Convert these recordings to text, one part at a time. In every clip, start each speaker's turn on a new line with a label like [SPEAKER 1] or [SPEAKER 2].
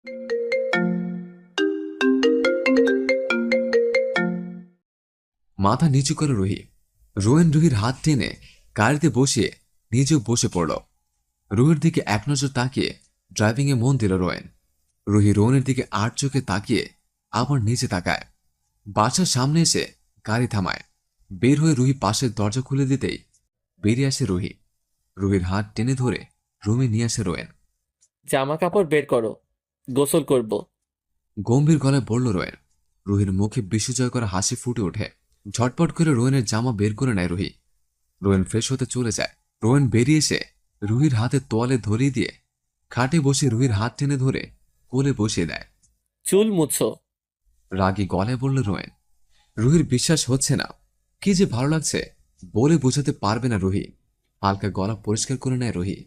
[SPEAKER 1] মাথা নিচু করে রুহি। রোয়েন রুহির হাত টেনে গাড়িতে বসিয়ে নিজেও বসে পড়ল। রুহির দিকে এক নজর তাকিয়ে ড্রাইভিং এ মন দিল রোয়েন। রুহি রোয়েনের দিকে আর চোখে তাকিয়ে আবার নিচে তাকায়। বাসার সামনে এসে গাড়ি থামায়। বের হয়ে রুহি পাশের দরজা খুলে দিতেই বেরিয়ে আসে রুহি। রুহির হাত টেনে ধরে রুমে নিয়ে আসে রোয়েন।
[SPEAKER 2] জামা কাপড় বের করো, গোসল করব।
[SPEAKER 1] গম্ভীর গলায় বলল রোয়েন। রুহির মুখে বিশ্বজয় করা হাসি ফুটে ওঠে। ঝটপট করে রোয়েনের জামা বের করে নেয় রুহি। রোয়েন ফ্রেশ হতে চলে যায়। রোয়েন বেরিয়ে এসে রুহির হাতে তোয়ালে ধরিয়ে দিয়ে খাটে বসে রুহির হাত টেনে ধরে কোলে বসিয়ে দেয়।
[SPEAKER 2] চুল মুছো।
[SPEAKER 1] রাগী গলায় বলল রোয়েন। রুহির বিশ্বাস হচ্ছে না। কি যে ভালো লাগছে বলে বোঝাতে পারবে না রুহি। হালকা গলা পরিষ্কার করে নেয় রুহি।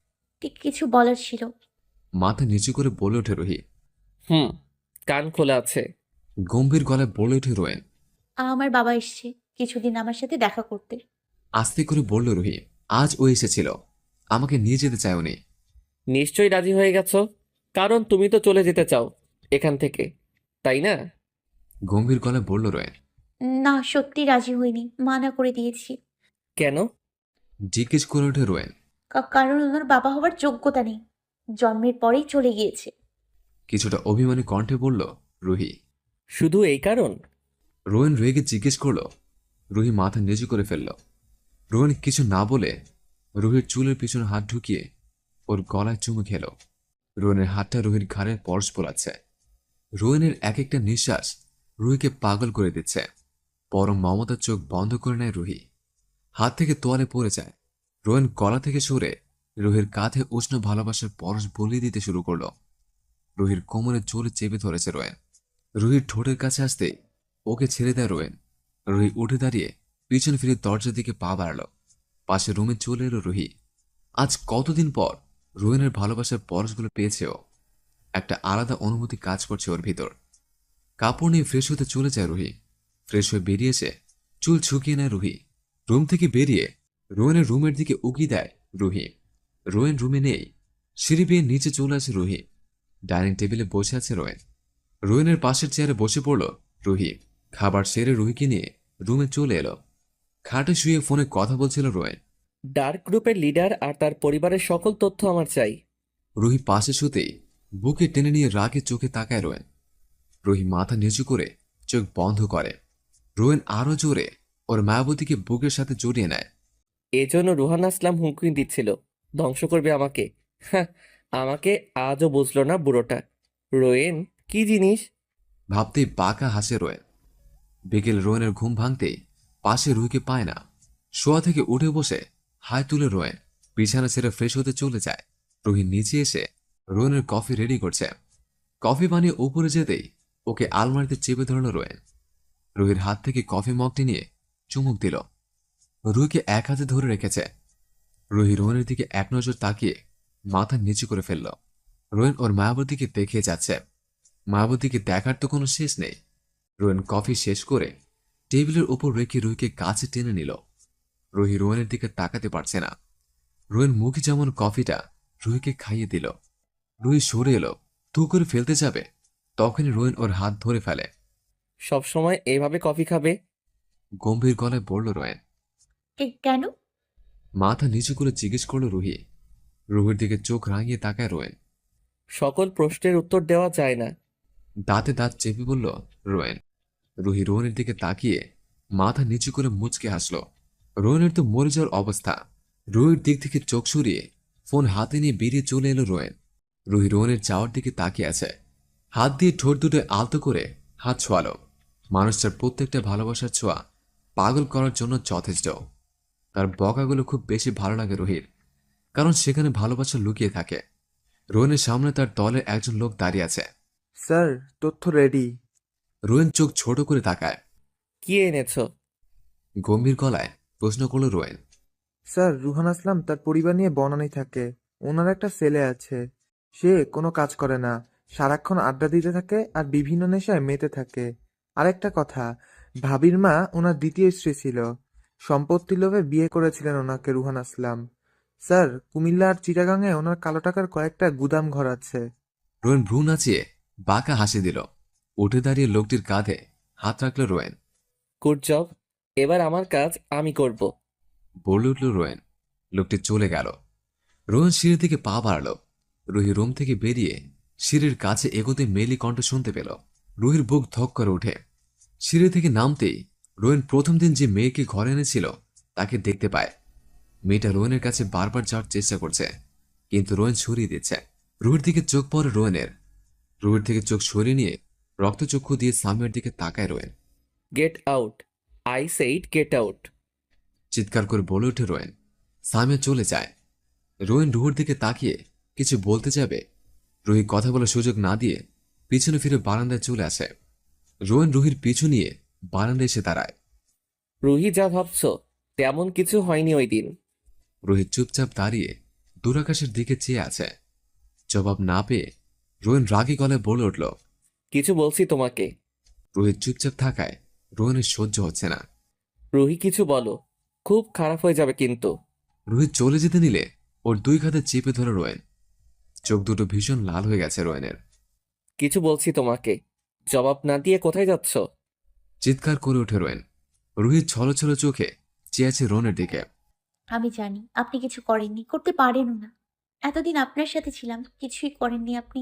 [SPEAKER 3] কিছু বলার ছিল।
[SPEAKER 1] মাথা নিচু করে বলে ওঠে রুহি।
[SPEAKER 2] হুম, কান খোলা আছে।
[SPEAKER 1] গম্ভীর গলায় বলে ওঠে রোয়েন।
[SPEAKER 3] আমার বাবা এসছে কিছুদিন আমার সাথে দেখা করতে।
[SPEAKER 1] আস্তে করে বলল রুহি। আজ ও এসেছিল, আমাকে নিয়ে যেতে চায় উনি।
[SPEAKER 2] নিশ্চয়ই রাজি হয়ে গেছো, কারণ তুমি তো চলে যেতে চাও এখান থেকে, তাই না?
[SPEAKER 1] গম্ভীর গলায় বলল রোয়েন।
[SPEAKER 3] না, সত্যি রাজি হইনি, মানা করে দিয়েছি।
[SPEAKER 2] কেন?
[SPEAKER 1] জিজ্ঞেস করে ওঠে রোয়েন।
[SPEAKER 3] কারণ ওনার বাবা হওয়ার যোগ্যতা নেই, জন্মের পরেই চলে গিয়েছে।
[SPEAKER 1] কিছুটা অভিমানী কণ্ঠে বলল রুহি।
[SPEAKER 2] শুধু এই কারণ?
[SPEAKER 1] রোয়েন রেগে জিজ্ঞেস করল। রুহি মাথা নিচু করে ফেলল। রোয়েন কিছু না বলে রুহির চুলের পিছনে হাত ঢুকিয়ে ওর গলায় চুমু খেল। রোয়েনের হাতটা রুহির ঘাড়ের পরশ পোলাচ্ছে। রোয়েনের এক একটা নিঃশ্বাস রুহিকে পাগল করে দিচ্ছে। পরম মমতার চোখ বন্ধ করে নেয় রুহি। হাত থেকে তোয়ালে পড়ে যায়। রোয়েন গলা থেকে সরে রুহির কাঁধে উষ্ণ ভালোবাসার পরশ বলিয়ে দিতে শুরু করল। রুহির কোমরে জোরে চেপে ধরেছে রোয়েন। রুহির ঠোঁটের কাছে আসতেই ওকে ছেড়ে দেয় রোয়েন। রুহি উঠে দাঁড়িয়ে পিছন ফিরে দরজার দিকে পা বাড়াল। পাশে রুমে চলে এলো রুহি। আজ কতদিন পর রোয়েনের ভালোবাসার পরশগুলো পেয়েছে ও। একটা আলাদা অনুভূতি কাজ করছে ওর ভিতর। কাপড় নিয়ে ফ্রেশ হতে চলে যায় রুহি। ফ্রেশ হয়ে বেরিয়েছে, চুল শুকিয়ে নেয় রুহি। রুম থেকে বেরিয়ে রোয়েনের রুমের দিকে উকি দেয় রুহি। রোয়েন রুমে নেই। সিঁড়ি বেয়ে নিচে চলে আসে রুহি। ডাইনিং টেবিলে বসে আছে রোয়েন। রোয়েনের পাশের চেয়ারে বসে পড়ল রুহি। খাবার সেরে রুহিকে নিয়ে রুমে চলে এলো। খাটে শুয়ে ফোনে কথা বলছিল রোয়েন।
[SPEAKER 2] ডার্ক গ্রুপের লিডার আর তার পরিবারের সকল তথ্য আমার চাই।
[SPEAKER 1] রুহি পাশে শুতেই বুকে টেনে নিয়ে রাগে চোখে তাকায় রোয়েন। রুহি মাথা নিচু করে চোখ বন্ধ করে। রোয়েন আরো জোরে ওর মায়াবতীকে বুকের সাথে জড়িয়ে নেয়।
[SPEAKER 2] এজন্য রুহান আসলাম হুমকি দিচ্ছিল, ধ্বংস করবে আমাকে। হ্যাঁ, আমাকে আজও বুঝলো না বুড়োটা। রোয়েন কি জিনিস?
[SPEAKER 1] ভাবতেই বাঁকা হাসে রোয়েন। বিকেল রোয়েনের ঘুম ভাঙতেই পাশে রুহিকে পায় না। শোয়া থেকে উঠে বসে হাই তুলে রোয়েন বিছানা ছেড়ে ফ্রেশ হতে চলে যায়। রুহি নিচে এসে রোয়েনের কফি রেডি করছে। কফি বানিয়ে উপরে যেতেই ওকে আলমারিতে চেপে ধরল রোয়েন। রুহির হাত থেকে কফি মগটি নিয়ে চুমুক দিল। রুহিকে এক হাতে ধরে রেখেছে। রুহি রোয়েনের দিকে এক নজর তাকিয়ে মাথা নিচু করে ফেলল। রোয়েন ওর মায়াবতীকে দেখিয়ে যাচ্ছে। মায়াবতীকে দেখার তো কোনো শেষ নেই। রোয়েন কফি শেষ করে টেবিলের উপর রেখে রুহিকে কাছে টেনে নিল। রুহি রোয়েনের দিকে তাকাতে পারছে না। রোয়েন মুখে যেমন কফিটা রুহিকে খাইয়ে দিল। রুহি সরে এলো, তু করে ফেলতে যাবে, তখনই রোয়েন ওর হাত ধরে ফেলে।
[SPEAKER 2] সব সময় এভাবে কফি খাবে?
[SPEAKER 1] গম্ভীর গলায় বলল রোয়েন।
[SPEAKER 3] কেন?
[SPEAKER 1] মাথা নিচু করে জিজ্ঞেস করলো রুহি। রুহির দিকে চোখ রাঙিয়ে তাকায় রোয়েন।
[SPEAKER 2] সকল প্রশ্নের উত্তর দেওয়া যায় না।
[SPEAKER 1] দাঁতে দাঁত চেপে বলল রোয়েন। রুহি রোয়েনের দিকে তাকিয়ে মাথা নিচু করে মুচকে হাসল। রোয়েনের তো মরে যাওয়ার অবস্থা। রুহির দিক থেকে চোখ সরিয়ে ফোন হাতে নিয়ে বেরিয়ে চলে এলো রোয়েন। রুহি রোয়েনের যাওয়ার দিকে তাকিয়ে আছে। হাত দিয়ে ঠোঁট দুটো আলতো করে হাত ছোঁয়ালো। মানুষটার প্রত্যেকটা ভালোবাসার ছোঁয়া পাগল করার জন্য যথেষ্ট। তার বকাগুলো খুব বেশি ভালো লাগে রুহির, কারণ সেখানে ভালোবাসা লুকিয়ে থাকে। রোয়েনের সামনে তার দলের একজন লোক দাঁড়িয়ে আছে।
[SPEAKER 4] স্যার, তথ্য রেডি।
[SPEAKER 1] রোয়েন চোখ ছোট করে তাকায়।
[SPEAKER 2] কি এনেছো?
[SPEAKER 1] গম্ভীর গলায় প্রশ্ন করল রোয়েন।
[SPEAKER 4] স্যার, রুহান আসলাম তার পরিবার নিয়ে বনানী থাকে। ওনার একটা ছেলে আছে। সে কোনো কাজ করে না, সারাক্ষণ আড্ডা দিতে থাকে আর বিভিন্ন নেশায় মেতে থাকে। আরেকটা কথা, ভাবির মা ওনার দ্বিতীয় স্ত্রী ছিল। সম্পত্তির লোভে বিয়ে করেছিলেন ওনাকে রুহান আসলাম। স্যার, কুমিল্লা আর চিটাগাংয়ে ওনার কালো টাকার কয়েকটা গুদাম ঘর আছে।
[SPEAKER 1] রোয়েন ভ্রু নাচিয়ে বাঁকা হাসি দিল। উঠে দাঁড়িয়ে লোকটির কাঁধে হাত রাখল রোয়েন।
[SPEAKER 2] গুড জব, এবার আমার কাজ আমি করব।
[SPEAKER 1] বলে উঠল রোয়েন। লোকটি চলে গেল। রোয়েন সিঁড়ির দিকে পা বাড়াল। রুহি রুম থেকে বেরিয়ে সিঁড়ির কাছে এগোতে মেলি কণ্ঠ শুনতে পেল। রুহির বুক ধক করে ওঠে। সিঁড়ি থেকে নামতেই রোয়েন প্রথম দিন যে মেয়েকে ঘরে এনেছিল তাকে দেখতে পায়। মেয়েটা রোয়েনের কাছে বারবার যাওয়ার চেষ্টা করছে, কিন্তু রোয়েন সরিয়ে দিচ্ছে। রুহির দিকে চোখ পড়ে রোয়েনের। রুহির থেকে চোখ সরিয়ে নিয়ে রক্তচক্ষু দিয়ে সামিয়ার দিকে তাকায় Rowen.
[SPEAKER 2] Get out, I said get out.
[SPEAKER 1] চিৎকার করে বলে ওঠে রোয়েন। সামিয়া চলে যায়। রোয়েন রুহির দিকে তাকিয়ে কিছু বলতে যাবে, রুহি কথা বলার সুযোগ না দিয়ে পিছনে ফিরে বারান্দায় চলে আসে। রোয়েন রুহির পিছু নিয়ে বারান্দায় এসে দাঁড়ায়।
[SPEAKER 2] রুহি যা ভাবছো তেমন কিছু হয়নি ওই দিন।
[SPEAKER 1] রুহি চুপচাপ দাঁড়িয়ে দূরাকাশের দিকে চেয়ে আছে। জবাব না পেয়ে রোয়েন রাগী গলায় বলে উঠল।
[SPEAKER 2] কিছু বলছি তোমাকে।
[SPEAKER 1] রুহি চুপচাপ থাকায় রোয়েনের সহ্য হচ্ছে না।
[SPEAKER 2] রুহি কিছু বলো, খুব খারাপ হয়ে যাবে কিন্তু।
[SPEAKER 1] রুহি চলে যেতে নিলে ওর দুই হাতে চেপে ধরে রোয়েন। চোখ দুটো ভীষণ লাল হয়ে গেছে রোয়েনের।
[SPEAKER 2] কিছু বলছি তোমাকে, জবাব না দিয়ে কোথায় যাচ্ছ?
[SPEAKER 1] চিৎকার করে ওঠে রোয়েন। রুহি ছলো ছলো চোখে চেয়ে আছে রোয়েনের দিকে।
[SPEAKER 3] আমি জানি আপনি কিছু করেননি, করতে পারেনও না। এতদিন আপনার সাথে ছিলাম, কিছুই করেননি আপনি।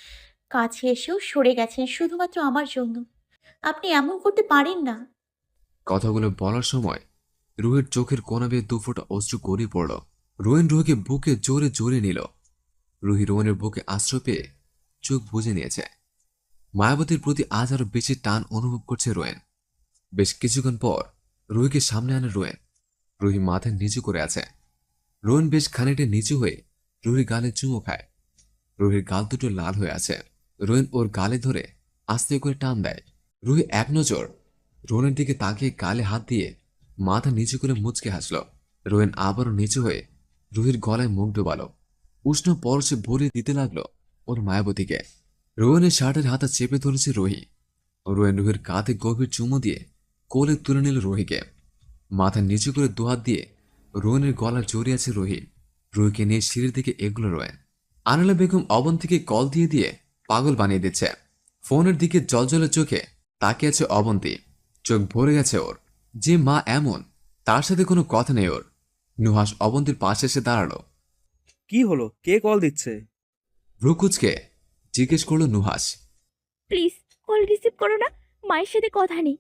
[SPEAKER 3] কাছে এসেও সরে গেছেন শুধুমাত্র আমার জন্য। আপনি এমন করতে পারেন না।
[SPEAKER 1] কথাগুলো বলার সময় রুহির চোখের কোনা বেয়ে দুফোঁটা অশ্রু গড়িয়ে পড়ল। রোয়েন রুহিকে বুকে জোরে জোরে নিল। রুহি রোয়েনের বুকে আশ্রয় পেয়ে চোখ বুজে নিয়েছে। মায়াবতীর প্রতি আজ আরো বেশি টান অনুভব করছে রোয়েন। বেশ কিছুক্ষণ পর রুহিকে সামনে আনে রোয়েন। রুহি মাথায় নিচু করে আছে। রোয়েন বেশ খানিকটা নিচু হয়ে রুহির গালে চুমো খায়। রুহির গাল দুটো লাল হয়ে আছে। রোয়েন ওর গালে ধরে আস্তে করে টান দেয়। রুহি এক নজর রোয়েনের দিকে তাকিয়ে গালে হাত দিয়ে মাথা নিচু করে মুচকে হাসল। রোয়েন আবারও নিচু হয়ে রুহির গলায় মুখ ডোবালো। উষ্ণ পরশে ভরিয়ে দিতে লাগলো ওর মায়াবতীকে। রোয়েনের শার্টের হাতা চেপে ধরেছে রুহি। রোয়েন রুহির কাঁধে গভীর চুমো দিয়ে কোলে তুলে নিল রুহিকে। মাথা নিচু করে দুহাত দিয়ে রোয়েনের গলা জড়িয়ে আছে রুহি। রুহিকে নিয়ে সিঁড়ির দিকে এগুলো রোয়েন। আনিলা বেগম অবন্তীকে কল দিয়ে দিয়ে পাগল বানিয়ে দিচ্ছে। ফোনের দিকে জলজলে চোখে তাকিয়ে আছে অবন্তী। চোখ ভরে গেছে ওর। যে মা এমন, তার সাথে কোনো কথা নেই ওর। নুহাস অবন্তীর পাশে এসে দাঁড়ালো।
[SPEAKER 5] কি হলো, কে কল দিচ্ছে?
[SPEAKER 1] ভ্রুকুচকে জিজ্ঞেস করলো নুহাস।
[SPEAKER 6] প্লিজ কল রিসিভ করো না, মায়ের সাথে কথা নেই।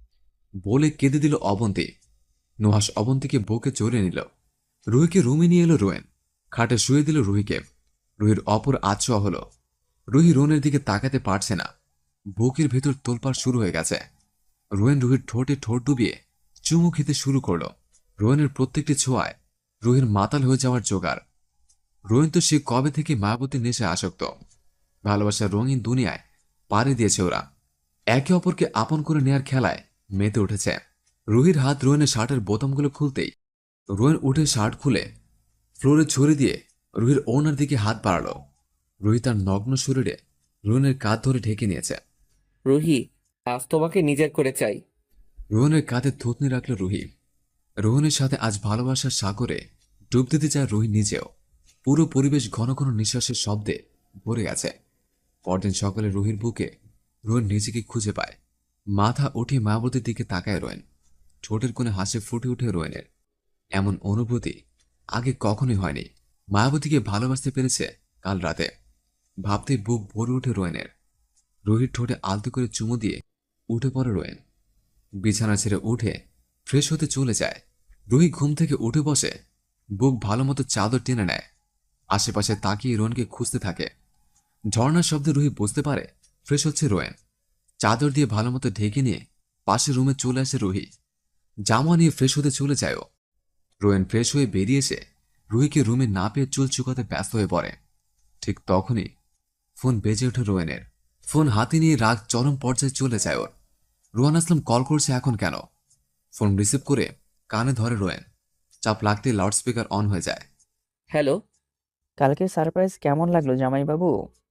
[SPEAKER 1] বলে কেঁদে দিল অবন্তী। নুহাস অবন্তীকে বুকে জড়িয়ে নিল। রুহিকে রুমে নিয়ে এলো রোয়েন। খাটে শুয়ে দিল রুহিকে। রুহির অপর আছোয়া হলো। রুহি রোয়েনের দিকে তাকাতে পারছে না। বুকের ভেতর তোলপাড় শুরু হয়ে গেছে। রোয়েন রুহির ঠোঁটে ঠোঁট ডুবিয়ে চুমু খেতে শুরু করলো। রোয়েনের প্রত্যেকটি ছোঁয়ায় রুহির মাতাল হয়ে যাওয়ার জোগাড়। রোয়েন তো সে কবে থেকে মায়াবতীর নেশে আসক্ত। ভালোবাসার রঙিন দুনিয়ায় পাড়ি দিয়েছে ওরা। একে অপরকে আপন করে নেয়ার খেলায় মেতে উঠেছে। রুহির হাত রোয়েনের শার্টের বোতামগুলো খুলতেই রোয়েন উঠে শার্ট খুলে ফ্লোরে ছড়িয়ে দিয়ে রুহির ওনার দিকে হাত বাড়াল। রুহি তার নগ্ন শরীরে রোয়েনের কাঁধ ধরে ঢেকে নিয়েছে।
[SPEAKER 2] রুহি, আজ তোমাকে নিজের করে চাই।
[SPEAKER 1] রোহনের কাঁধে থুতনি রাখল রুহি। রোহনের সাথে আজ ভালোবাসার সাগরে ডুব দিতে চায় রুহি নিজেও। পুরো পরিবেশ ঘন ঘন নিঃশ্বাসের শব্দে ভরে গেছে। পরদিন সকালে রুহির বুকে রোহন নিজেকে খুঁজে পায়। মাথা উঠিয়ে মায়াবতীর দিকে তাকায় রোয়েন। ঠোঁটের কোণে হাসি ফুটে উঠে রোয়েনের। এমন অনুভূতি আগে কখনোই হয়নি। মায়াবতীকে ভালোবাসতে পেরেছে কাল রাতে। ভাবতেই বুক ভরে উঠে রোয়েনের। রুহির ঠোঁটে আলতো করে চুমু দিয়ে উঠে পড়ে রোয়েন। বিছানা ছেড়ে উঠে ফ্রেশ হতে চলে যায়। রুহি ঘুম থেকে উঠে বসে, বুক ভালোমতো চাদর টেনে নেয়। আশেপাশে তাকিয়ে রোয়েনকে খুঁজতে থাকে। ঝর্ণার শব্দে রুহি বুঝতে পারে ফ্রেশ হচ্ছে রোয়েন। চাদর দিয়ে ভালোমতো ঢেকে নিয়ে পাশের রুমে চলে আসে রুহি। জামা নিয়ে ফ্রেশ হতে চলে যায় ও। রোয়েন ফ্রেশ হয়ে বেরিয়ে এসে রুহিকে রুমে না পেয়ে চুল চুকাতে ব্যস্ত হয়ে পড়ে। ঠিক তখনই ফোন বেজে ওঠে রোয়েনের। ফোন হাতে নিয়ে রাগ চরম পর্যায়ে চলে যায় ওর। রোহান আসলাম কল করছে এখন কেন? ফোন রিসিভ করে কানে ধরে রোয়েন। চাপ লাগতে লাউডস্পিকার অন হয়ে যায়।
[SPEAKER 2] হ্যালো,
[SPEAKER 7] কালকে সারপ্রাইজ কেমন লাগলো জামাইবাবু?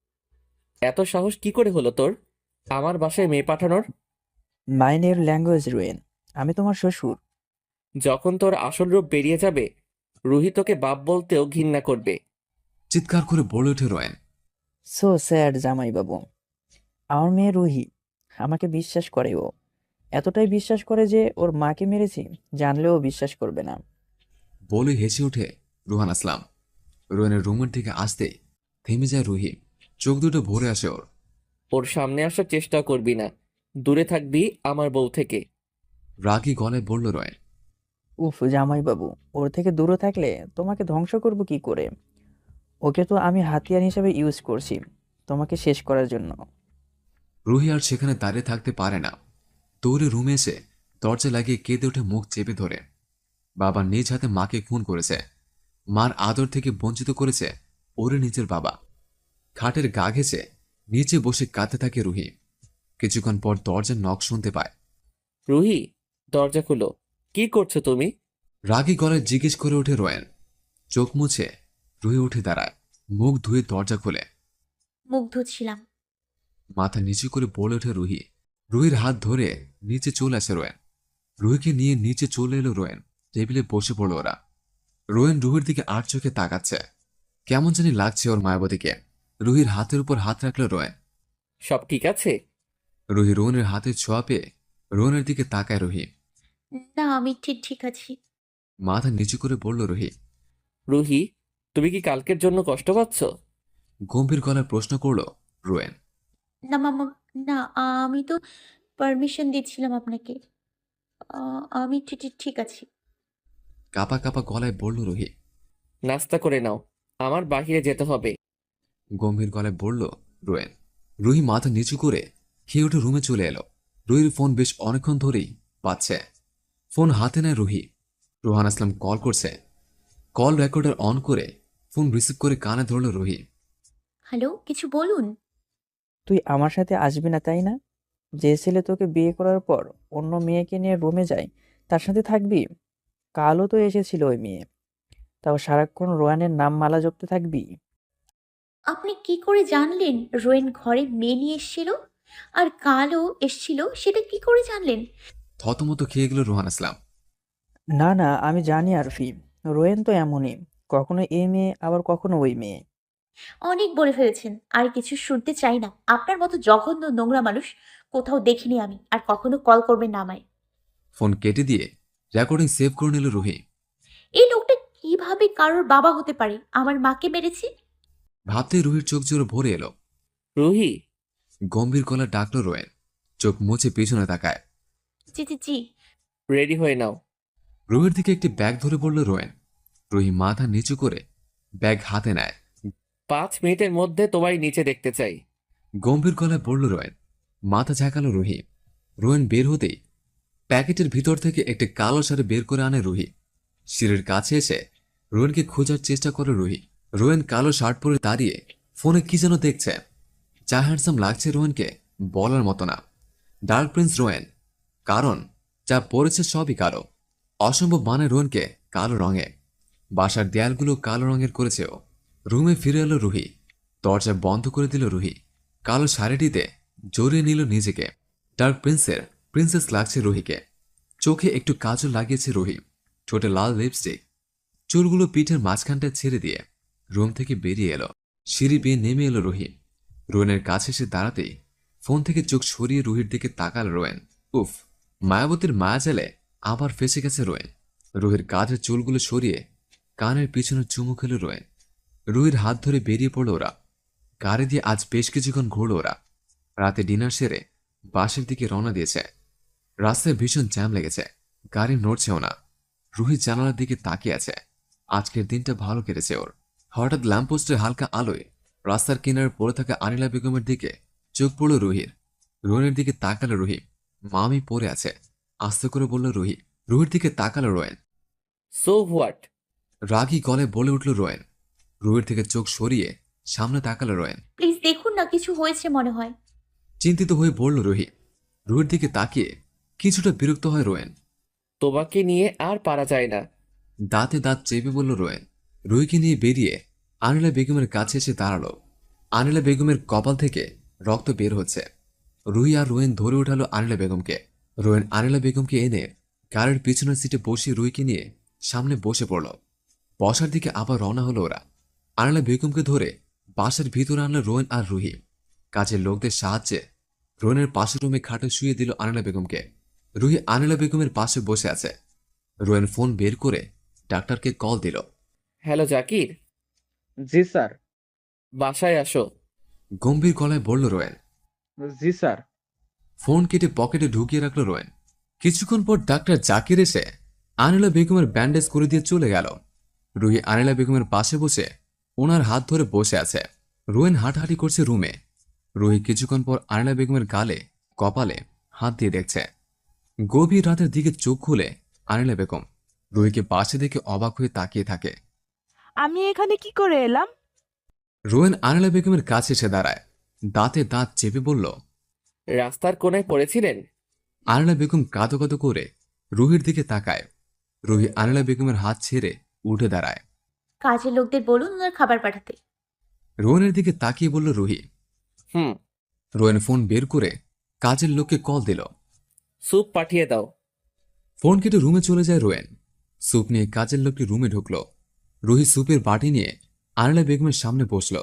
[SPEAKER 2] এত সাহস কি করে হলো তোর আমার বাসায় মেয়ে পাঠানোর?
[SPEAKER 7] মাইন্ড ইওর ল্যাঙ্গুয়েজ রুয়েন, আমি তোমার শ্বশুর।
[SPEAKER 2] যখন তোর আসল রূপ বেরিয়ে যাবে, রুহি তোকে বাপ বলতেও ঘৃণা করবে।
[SPEAKER 1] চিৎকার করে বলে ওঠে রোয়েন।
[SPEAKER 7] সো স্যাড জামাইবাবু। আমার মেয়ে রুহি, আমাকে বিশ্বাস করে ও। এতটাই বিশ্বাস করে যে ওর মাকে মেরেছি জানলেও বিশ্বাস করবে না।
[SPEAKER 1] বলে হেসে ওঠে রুহান আসলাম। রোয়েনের রুমের দিকে আসতেই থেমে যায় রুহি। চোখ দুটো ভরে আসে ওর।
[SPEAKER 2] ওর সামনে আসার চেষ্টা করবি না, দূরে থাকবি আমার বউ থেকে।
[SPEAKER 1] রাগী গলায় বলল রোয়েন।
[SPEAKER 7] উফ জামাইবাবু, ওর থেকে দূরে থাকলে তোমাকে ধ্বংস করব কি করে? ওকে তো আমি হাতিয়ার হিসেবে ইউজ করছি তোমাকে শেষ করার জন্য।
[SPEAKER 1] রুহি আর সেখানে দাঁড়িয়ে থাকতে পারে না। দৌড়ে রুমে এসে দরজা লাগিয়ে কেঁদে ওঠে মুখ চেপে ধরে। বাবা নিজ হাতে মাকে খুন করেছে। মার আদর থেকে বঞ্চিত করেছে ওরে নিজের বাবা। খাটের গা ঘেঁষে নিচে বসে কাঁদতে থাকে রুহি। কিছুক্ষণ পর দরজার নখ শুনতে পায়।
[SPEAKER 2] রুহি, দরজা খুলো, কি করছো তুমি?
[SPEAKER 1] রাগী গলায় জিজ্ঞেস করে ওঠে রোয়েন। চোখ মুছে রুহি উঠে দাঁড়ায়, মুখ ধুয়ে দরজা খোলে।
[SPEAKER 3] মুখ ধুচ্ছিলাম।
[SPEAKER 1] মাথা নিচু করে বলে ওঠে রুহি। রুহির হাত ধরে নিচে চলে আসে রোয়েন। রুহিকে নিয়ে নিচে চলে এলো রোয়েন। টেবিলে বসে পড়ল ওরা। রোয়েন রুহির দিকে আর চোখে তাকাচ্ছে। কেমন জানি লাগছে ওর মায়াবতীকে। রুহির হাতের উপর হাত রাখলো রোয়েন।
[SPEAKER 2] সব ঠিক আছে?
[SPEAKER 1] রুহি রোহনের হাতে ছোঁয়া পেয়ে রোহনের দিকে তাকায় রুহি।
[SPEAKER 3] না, আমি ঠিক ঠিক আছি।
[SPEAKER 1] মাথা নিচু করে বলল রুহি।
[SPEAKER 2] রুহি, তুমি কি কালকের জন্য কষ্ট পাচ্ছ?
[SPEAKER 1] গম্ভীর গলায় প্রশ্ন করল রোয়েন।
[SPEAKER 3] না মামা, না, আমি তো পারমিশন দিচ্ছিলাম আপনাকে। আমি ঠিক ঠিক ঠিক আছি।
[SPEAKER 1] কাপা কাপা গলায় বলল রুহি।
[SPEAKER 2] নাস্তা করে নাও, আমার বাহিরে যেতে হবে।
[SPEAKER 1] গম্ভীর গলায় বলল রোয়েন। রুহি মাথা নিচু করে খেয়ে উঠে রুমে চলে এলো। রুহির ফোন বেশ অনেকক্ষণ ধরেই পাচ্ছে। ফোন হাতে নেয় রুহি। রোহান আসলাম কল করছে। কল রেকর্ডার অন করে ফোন রিসিভ করে কানে ধরল রুহি।
[SPEAKER 3] হ্যালো, কিছু বলুন।
[SPEAKER 7] তুই আমার সাথে আসবি না তাই না? যে ছেলে তোকে বিয়ে করার পর অন্য মেয়েকে নিয়ে রুমে যায় তার সাথে থাকবি? কালও তো এসেছিল ওই মেয়ে, তাও সারাক্ষণ রোয়ানের নাম মালা জপতে থাকবি?
[SPEAKER 3] আপনি কি করে জানলেন রোয়েন ঘরে মেয়ে নিয়ে এসেছিল? আর কালও এসেছিল, সেটা কি করে জানলেন?
[SPEAKER 1] থতমত খেয়ে গেল রোহান আসলাম।
[SPEAKER 7] না না, আমি জানি আরফি, রোয়েন তো এমনই, কখনো এই মেয়ে আবার কখনো ওই মেয়ে।
[SPEAKER 3] অনেক বলে ফেলেছেন, আর কিছু শুনতে চাই না। আপনার মতো জঘন্য নোংরা মানুষ কোথাও দেখিনি আমি, আর কখনো কল করবেন না আমায়।
[SPEAKER 1] ফোন কেটে দিয়ে রেকর্ডিং সেভ করে নিল রুহি।
[SPEAKER 3] এই লোকটা কিভাবে কারোর বাবা হতে পারে? আমার মাকে মেরেছে।
[SPEAKER 1] ভাবতেই রুহির চোখ জোরে ভরে এলো।
[SPEAKER 2] রুহি,
[SPEAKER 1] গম্ভীর গলা ডাকলো রোয়েন। চোখ মুছে পিছনে তাকায়।
[SPEAKER 3] জি জি জি।
[SPEAKER 2] রেডি হয়ে নাও।
[SPEAKER 1] রুহির দিকে একটি ব্যাগ ধরে বলল রোয়েন। রুহি মাথা নিচু করে ব্যাগ হাতে নেয়।
[SPEAKER 2] 5 মিনিটের মধ্যে তোমায় নিচে দেখতে চাই।
[SPEAKER 1] গম্ভীর গলায় বলল রোয়েন। মাথা ঝাঁকালো রুহি। রোয়েন বের হতেই প্যাকেটের ভিতর থেকে একটি কালো শাড়ি বের করে আনে রুহি। সিঁড়ির কাছে এসে রোয়েনকে খোঁজার চেষ্টা করে রুহি। রোয়েন কালো শার্ট পরে দাঁড়িয়ে ফোনে কি যেন দেখছে। যা হ্যান্ডসাম লাগছে রোয়েনকে বলার মতো না। ডার্ক প্রিন্স রোয়েন, কারণ যা পড়েছে সবই কালো। অসম্ভব মানে রোয়েনকে কালো রঙে। বাসার দেয়ালগুলো কালো রঙের করেছে ও। রুমে ফিরে এলো রুহি। দরজা বন্ধ করে দিল রুহি। কালো শাড়িটিতে জড়িয়ে নিল নিজেকে। ডার্ক প্রিন্সের প্রিন্সেস লাগছে রুহিকে। চোখে একটু কাজল লাগিয়েছে রুহি। ঠোঁটে লাল লিপস্টিক। চুলগুলো পিঠের মাঝখানটায় ছেড়ে দিয়ে রুম থেকে বেরিয়ে এলো। সিঁড়ি বেয়ে নেমে এলো রুহি। রোয়েনের কাছে এসে দাঁড়াতেই ফোন থেকে চোখ সরিয়ে রুহির দিকে তাকাল রোয়েন। উফ, মায়াবতীর মায়াজালে আবার ফেসে গেছে রোয়েন। রুহির কাঁধের চুলগুলো সরিয়ে কানের পিছনে চুমু খেল রোয়েন। রুহির হাত ধরে বেরিয়ে পড়ল ওরা। গাড়ি দিয়ে আজ বেশ কিছুক্ষণ ঘুরল ওরা। রাতে ডিনার সেরে বাসের দিকে রওনা দিয়েছে। রাস্তায় ভীষণ জ্যাম লেগেছে, গাড়ি নড়ছেও না। রুহি জানালার দিকে তাকিয়ে আছে। আজকের দিনটা ভালো কেটেছে ওর। হঠাৎ ল্যাম্পপোস্টের হালকা আলোয় রাস্তার কিনারে পড়ে থাকা আনিলা বেগমের দিকে চোখ পড়ল রুহির। রোয়েনের দিকে তাকালো রুহি। মামি পড়ে আছে, আস্তে করে বলল রুহি। রুহির দিকে তাকালো রোয়েন।
[SPEAKER 2] So what?
[SPEAKER 1] রাগী গলে বলে উঠল রোয়েন। রুহির থেকে চোখ সরিয়ে সামনে তাকালো রোয়েন।
[SPEAKER 3] প্লিজ দেখুন না, কিছু হয়েছে মনে হয়।
[SPEAKER 1] চিন্তিত হয়ে বলল রুহি। রুহির দিকে তাকিয়ে কিছুটা বিরক্ত হয় রোয়েন।
[SPEAKER 2] তোমাকে নিয়ে আর পারা যায় না।
[SPEAKER 1] দাঁতে দাঁত চেপে বলল রোয়েন। রুহিকে নিয়ে বেরিয়ে আনিলা বেগমের কাছে এসে দাঁড়ালো। আনিলা বেগমের কপাল থেকে রক্ত বের হচ্ছে। রুহি আর রোয়েন ধরে উঠালো আনিলা বেগমকে। রোয়েন আনিলা বেগমকে এনে গাড়ির পিছনের সিটে বসিয়ে রুহিকে নিয়ে সামনে বসে পড়ল। বসার দিকে আবার রওনা হলো ওরা। আনিলা বেগমকে ধরে বাসার ভিতরে আনলো রোয়েন আর রুহি। কাজের লোকদের সাহায্যে রোয়েনের পাশের রুমে খাটে শুয়ে দিল আনিলা বেগমকে। রুহি আনিলা বেগমের পাশে বসে আছে। রোয়েন ফোন বের করে ডাক্তারকে কল দিল।
[SPEAKER 2] হ্যালো জাকির,
[SPEAKER 5] জি স্যার।
[SPEAKER 2] বাসায় আসো।
[SPEAKER 1] গম্ভীর গলায় বলল রোয়েন।
[SPEAKER 5] জি স্যার।
[SPEAKER 1] ফোন কেটে পকেটে ঢুকিয়ে রাখলো রোয়েন। কিছুক্ষণ পর ডাক্তার জাকির এসে আনিলা বেগমের ব্যান্ডেজ করে দিয়ে চলে গেল। রুহি আনিলা বেগমের পাশে বসে ওনার হাত ধরে বসে আছে। রোয়েন হাঁটাহাঁটি করছে রুমে। রুহি কিছুক্ষণ পর আনিলা বেগমের গালে কপালে হাত দিয়ে দেখছে। গভীর রাতের দিকে চোখ খুলে আনিলা বেগম রুহিকে পাশে দেখে অবাক হয়ে তাকিয়ে থাকে।
[SPEAKER 8] আমি এখানে কি করে এলাম?
[SPEAKER 1] রোয়েন আনিলা বেগমের কাছে এসে দাঁড়ায়, দাঁতে দাঁত চেপে বলল।
[SPEAKER 2] রাস্তার কোনায় পড়েছিলেন?
[SPEAKER 1] আনিলা বেগম কাঁদো কাঁদো করে রুহির দিকে তাকায়। রুহি আনিলা বেগমের হাত ছেড়ে উঠে দাঁড়ায়।
[SPEAKER 3] কাজের লোকদের বলুন ওনার খাবার পাঠাতে।
[SPEAKER 1] রোয়েনের দিকে তাকিয়ে বলল রুহি।
[SPEAKER 2] হুম।
[SPEAKER 1] রোয়েন ফোন বের করে কাজের লোককে কল দিল।
[SPEAKER 2] স্যুপ পাঠিয়ে দাও।
[SPEAKER 1] ফোন কেটে রুমে চলে যায় রোয়েন। স্যুপ নিয়ে কাজের লোকটি রুমে ঢুকল। রুহি স্যুপের বাটি নিয়ে আনিলা বেগমের সামনে বসল।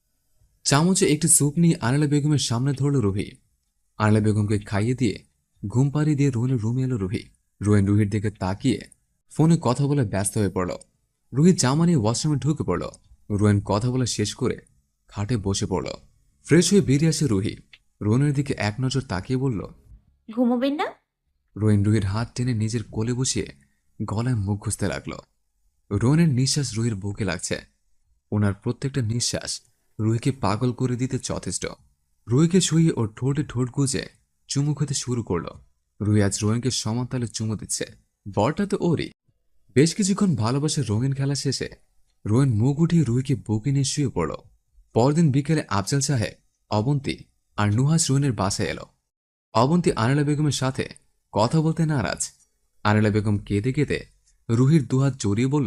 [SPEAKER 1] চামচে একটি স্যুপ নিয়ে আনিলা বেগমের সামনে ধরল রুহি। আনিলা বেগমকে খাইয়ে দিয়ে ঘুম পাড়িয়ে দিয়ে রোয়েনের রুমে এলো রুহি। রোয়েন রুহির দিকে তাকিয়ে ফোনে কথা বলে ব্যস্ত হয়ে পড়ল। রুহি জামা নিয়ে ওয়াশরুমে ঢুকে পড়ল। রোয়েন কথা বলা শেষ করে খাটে বসে পড়ল। ফ্রেশ হয়ে বেরিয়ে আসে রুহি। রোয়েনের দিকে এক নজর তাকিয়ে বলল।
[SPEAKER 3] ঘুমোবেন না?
[SPEAKER 1] রোয়েন রুহির হাত টেনে নিজের কোলে বসিয়ে গলায় মুখ ঘুষতে লাগল। রোয়েনের নিঃশ্বাস রুহির বুকে লাগছে। ওনার প্রত্যেকটা নিঃশ্বাস রুহিকে পাগল করে দিতে যথেষ্ট। রুহিকে শুয়ে ওর ঠোঁটে ঠোঁট গুজে চুমু খেতে শুরু করলো। রুহি আজ রোয়েনকে সমান তালে চুমু দিচ্ছে। বরটা তো ওরই। বেশ কিছুক্ষণ ভালোবাসার রঙিন খেলা শেষে রোয়েন মুখ উঠিয়ে রুহিকে বুকে নিয়ে শুয়ে পড়ল। পরদিন বিকেলে আফজাল সাহেব, অবন্তী আর নুহাস রোয়েনের বাসায় এলো। অবন্তী আনিলা বেগমের সাথে কথা বলতে নারাজ। আনিলা বেগম কেঁদে কেঁদে রুহির দুহাত জড়িয়ে বলল।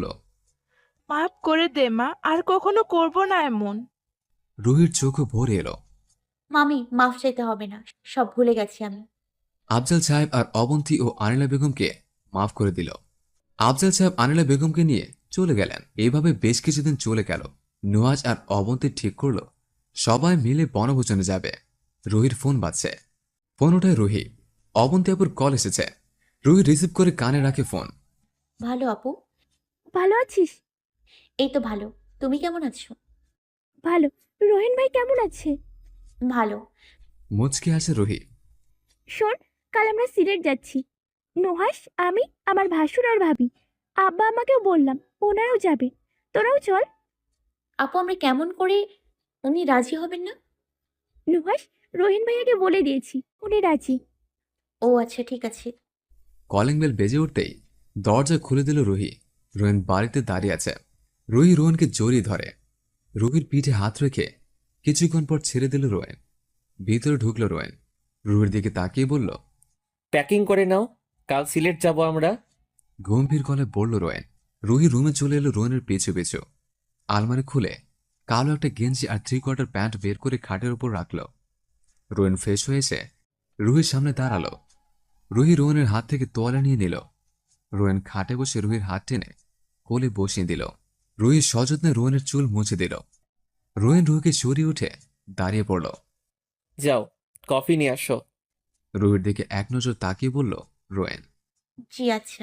[SPEAKER 8] মাফ করে দে মা, আর কখনো করব না এমন।
[SPEAKER 1] রুহির চোখে ভরে এলো।
[SPEAKER 3] মামি, মাফ চাইতে হবে না, সব ভুলে গেছি আমি।
[SPEAKER 1] আফজাল সাহেব আর অবন্তী ও আনিলা বেগমকে মাফ করে দিল। আফজাল সাহেব আনিলা বেগমকে নিয়ে চলে গেলেন। এইভাবে বেশ কিছুদিন চলে গেল। নুহাজ আর অবন্তী ঠিক করলো সবাই মিলে বনভোজনে যাবে। রুহির ফোন বাজছে। ফোন ওঠায় রুহি। অবন্তী আপুর কল এসেছে। রুহি রিসিভ করে কানে রাখে ফোন।
[SPEAKER 3] ভালো আপু।
[SPEAKER 6] ভালো আছিস?
[SPEAKER 3] এই তো ভালো। তুমি কেমন আছো?
[SPEAKER 6] ভালো। রোহিন ভাই কেমন আছে?
[SPEAKER 3] ভালো।
[SPEAKER 1] মুচকে আসে রুহি।
[SPEAKER 6] শোন, কাল আমরা সিলেট যাচ্ছি। নুহাস, আমি, আমার ভাসুর আর ভাবি। আব্বা আমাকেও বললাম, ওনারাও যাবে। তোরাও চল।
[SPEAKER 3] আপু, আমরা কেমন করে? উনি রাজি হবেন না?
[SPEAKER 6] নুহাস, রোহিন ভাইয়াকে বলে দিয়েছি, উনি রাজি।
[SPEAKER 3] ও আচ্ছা, ঠিক আছে।
[SPEAKER 1] কলিং বেল বেজে উঠতেই দরজা খুলে দিল রুহি। রোয়েন বাড়িতে দাঁড়িয়ে আছে। রুহি রোহনকে জড়িয়ে ধরে। রুহির পিঠে হাত রেখে কিছুক্ষণ পর ছেড়ে দিল রোয়েন। ভিতরে ঢুকল রোয়েন। রুহির দিকে তাকিয়ে বলল।
[SPEAKER 2] প্যাকিং করে নাও, কাল সিলেট যাব আমরা।
[SPEAKER 1] গম্ভীর গলায় বলল রোয়েন। রুহি রুমে চলে এলো রোয়েনের পিছু পিছু। আলমারি খুলে কালো একটা গেঞ্জি আর 3/4 প্যান্ট বের করে খাটের উপর রাখল। রোয়েন ফ্রেশ হয়ে এসে রুহির সামনে দাঁড়ালো। রুহি রোয়েনের হাত থেকে তোয়ালে নিয়ে নিল। রোয়েন খাটে বসে রুহির হাত টেনে কোলে বসিয়ে দিল। রুহি সযত্নে রোয়েনের চুল মুছে দিল। রোয়েন রুহিকে সরিয়ে উঠে দাঁড়িয়ে পড়ল।
[SPEAKER 2] যাও, কফি নিয়ে আসো।
[SPEAKER 1] রুহির দিকে এক নজর তাকিয়ে বলল রোয়েন।
[SPEAKER 3] জি আচ্ছা।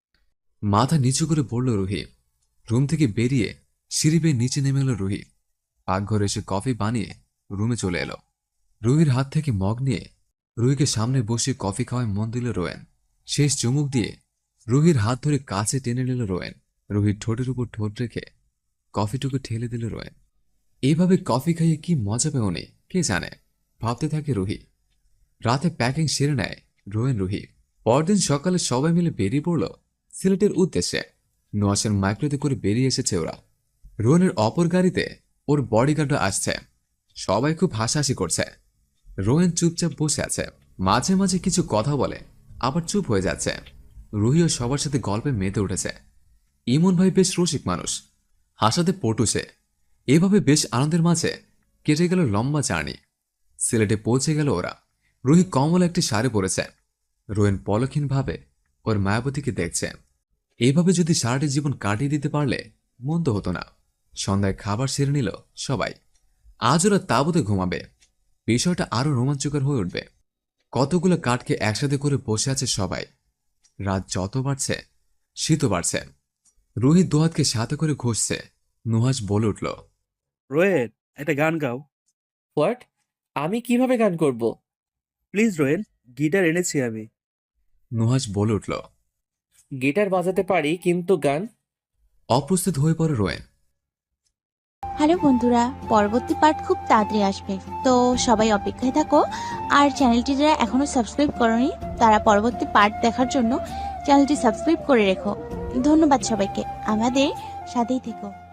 [SPEAKER 1] মাথা নিচু করে পড়ল রুহি। রুম থেকে বেরিয়ে সিঁড়ি বেয়ে নিচে নেমে এলো রুহি। পাকঘরে এসে কফি বানিয়ে রুমে চলে এলো। রুহির হাত থেকে মগ নিয়ে রুহিকে সামনে বসে কফি খাওয়ায় মন দিল রোয়েন। শেষ চুমুক দিয়ে রুহির হাত ধরে কাছে টেনে নিল রোয়েন। রুহির ঠোঁটের উপর ঠোঁট রেখে কফিটুকু ঠেলে দিল রোয়েন। এইভাবে কফি খাইয়ে কি মজা পেও নেই কে জানে, ভাবতে থাকে রুহি। রাতে প্যাকিং সেরে নেয় রোয়েন রুহি। পরদিন সকালে সবাই মিলে বেরিয়ে পড়ল সিলেটের উদ্দেশ্যে। নুহাসের মাইক্রোতে করে বেরিয়ে এসেছে ওরা। রোয়েনের অপর গাড়িতে ওর বডিগার্ডও আসছে। সবাই খুব হাসাহাসি করছে। রোয়েন চুপচাপ বসে আছে। মাঝে মাঝে কিছু কথা বলে, আবার চুপ হয়ে যাচ্ছে। রুহিও সবার সাথে গল্পে মেতে উঠেছে। ইমন ভাই বেশ রসিক মানুষ, হাসাতে পটু সে। এভাবে বেশ আনন্দের মাঝে কেটে গেল লম্বা জার্নি। সিলেটে পৌঁছে গেল ওরা। রুহি কমল একটি শাড়ি পরেছে। রোয়েন পলক্ষীনভাবে ওর মায়াবতীকে দেখছে। এইভাবে যদি সারাটি জীবন কাটিয়ে দিতে পারলে মন্দ হতো না। সন্ধ্যায় খাবার সেরে নিল সবাই। আজ ওরা তাঁবুতে ঘুমাবে। বিষয়টা আরো রোমাঞ্চকর হয়ে উঠবে। কতগুলো কাঠকে একসাথে করে বসে আছে সবাই। রাত যত বাড়ছে শীতও বাড়ছে। রুহি দোহাতকে সাথে করে ঘষছে। নুহাস বলে উঠল,
[SPEAKER 9] রোয়েন, একটা গান গাও
[SPEAKER 2] হোয়াট? আমি কিভাবে গান করব?
[SPEAKER 9] প্লিজ। রোয়েন, গিটার এনেছি আমি।
[SPEAKER 1] নুহাস বলে উঠল।
[SPEAKER 2] গিটার বাজাতে পারি, কিন্তু গান?
[SPEAKER 1] অপ্রস্তুত হয়ে পড়ে রোয়েন।
[SPEAKER 10] হ্যালো বন্ধুরা, পরবর্তী পার্ট খুব তাড়াতাড়ি আসবে, তো সবাই অপেক্ষায় থাকো। আর চ্যানেলটি যারা এখনো সাবস্ক্রাইব করনি তারা পরবর্তী পার্ট দেখার জন্য চ্যানেলটি সাবস্ক্রাইব করে রেখো। ধন্যবাদ সবাইকে, আমাদের সাথেই থেকো।